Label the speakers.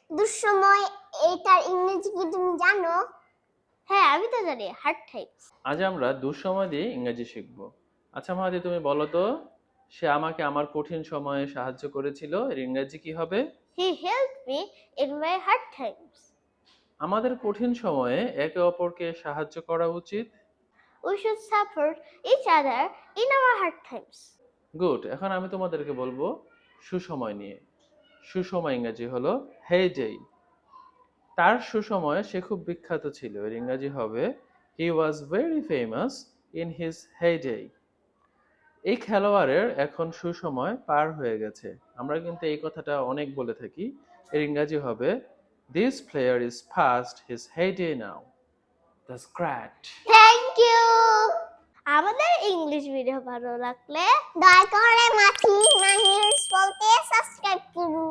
Speaker 1: দুঃসময় এটার ইংরেজি কি তুমি জানো?
Speaker 2: হ্যাঁ, আমি তো জানি, হার্ড টাইমস।
Speaker 3: আজ আমরা দুঃসময় দিয়ে ইংরেজি শিখব। আচ্ছা মাহাদি, তুমি বলো তো, সে আমাকে আমার কঠিন সময়ে সাহায্য করেছিল, এর ইংরেজি কি হবে?
Speaker 2: He helped me in my hard times.
Speaker 3: আমাদের কঠিন সময়ে একে অপরকে সাহায্য করা উচিত।
Speaker 2: We should support each other in our hard times.
Speaker 3: Good. এখন আমি তোমাদেরকে বলবো সুসময় নিয়ে। সুসময় ইংরেজি হলো হেইডে। তার সুসময়ে সে খুব বিখ্যাত ছিল, এর ইংরেজি হবে he was very famous in his heyday. এই খেলোয়াড়ের এখন সুসময় পার হয়ে গেছে। আমরা কিন্তু এই কথাটা অনেক বলে থাকি। এর ইংরেজি হবে this player is past his heyday now. That's great.
Speaker 2: Thank you. আমাদের ইংলিশ ভিডিও ভালো লাগলে
Speaker 1: দয়া করে মাহি বলতে সাবস্ক্রাইব করুন।